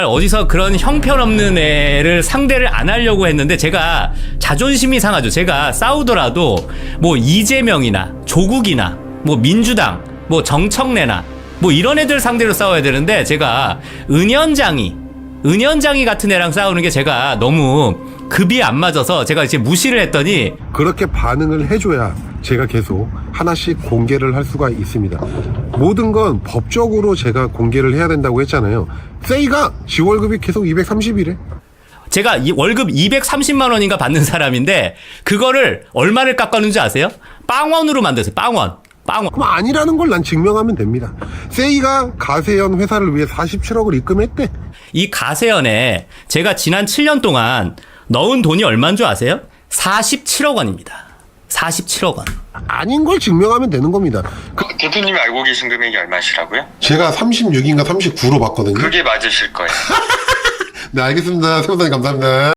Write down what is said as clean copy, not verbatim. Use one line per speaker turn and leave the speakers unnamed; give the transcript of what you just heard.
어디서 그런 형편없는 애를 상대를 안 하려고 했는데 제가 자존심이 상하죠. 제가 싸우더라도 뭐 이재명이나 조국이나 뭐 민주당 뭐 정청래나 뭐 이런 애들 상대로 싸워야 되는데 제가 은연장이 같은 애랑 싸우는 게 제가 너무 급이 안 맞아서 제가 이제 무시를 했더니
그렇게 반응을 해줘야 제가 계속 하나씩 공개를 할 수가 있습니다. 모든 건 법적으로 제가 공개를 해야 된다고 했잖아요. 세이가 지 월급이 계속 230이래.
제가 이 월급 230만 원인가 받는 사람인데 그거를 얼마를 깎아놓은지 아세요? 빵원으로 만들었어요. 빵원.
그럼 아니라는 걸 난 증명하면 됩니다. 세이가 가세현 회사를 위해 47억을 입금했대.
이 가세연에 제가 지난 7년 동안 넣은 돈이 얼마인 줄 아세요? 47억 원입니다. 47억 원.
아닌 걸 증명하면 되는 겁니다.
대표님이 알고 계신 금액이 얼마시라고요?
제가 36인가 39로 봤거든요.
그게 맞으실 거예요.
네, 알겠습니다. 세무사님 감사합니다.